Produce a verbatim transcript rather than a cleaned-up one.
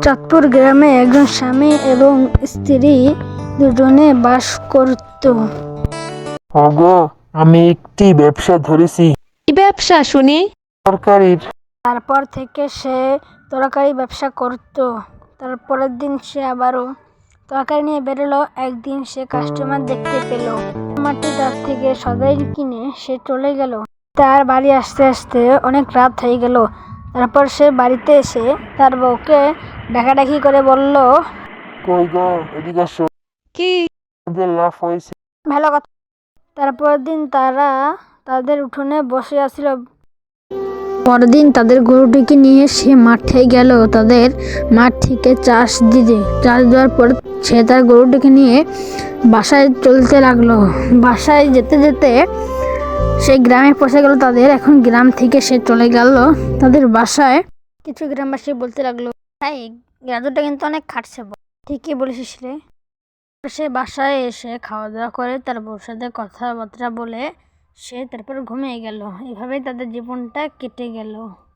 চাঁদপুর গ্রামে একজন স্বামী এবং স্ত্রী দুজনে বাস করত। ওগো, আমি একটি ব্যবসা ধরেছি, কি ব্যবসা শুনি? তরকারির। তারপর থেকে সে তরকারি ব্যবসা করত। তারপরের দিন সে আবারও তরকারি নিয়ে বেরোলো। একদিন সে কাস্টমার দেখতে পেল। কাস্টমারটি তার থেকে সদাই কিনে সে চলে গেল। তার বাড়ি আসতে আসতে অনেক রাত হয়ে গেল। তারপর সে বাড়িতে এসে তার বউকে ডাকাডাকি করে বলল, কই গো, এদিকে আসো, কি? আমাদের লাভ হয়েছে। ভালো কথা। তারপরের দিন তারা তাদের উঠোনে বসে আছিল। পরদিন তাদের গরুটিকে নিয়ে সে মাঠে গেল তাদের মাঠ থেকে চাষ দিতে। চাষ দেওয়ার পর সে তার গরুটিকে নিয়ে বাসায় চলতে লাগলো। বাসায় যেতে যেতে সে গ্রামে পৌঁছে গেল তাদের। এখন গ্রাম থেকে সে চলে গেল তাদের বাসায়। কিছু গ্রামবাসী বলতে লাগলো, ভাই, গাজরটা কিন্তু অনেক খাটছে। ঠিকই বলেছিস রে। সে বাসায় এসে খাওয়া দাওয়া করে তার বউর সাথে কথাবার্তা বলে সে তারপর ঘুমিয়ে গেল। এভাবেই তাদের জীবনটা কেটে গেল।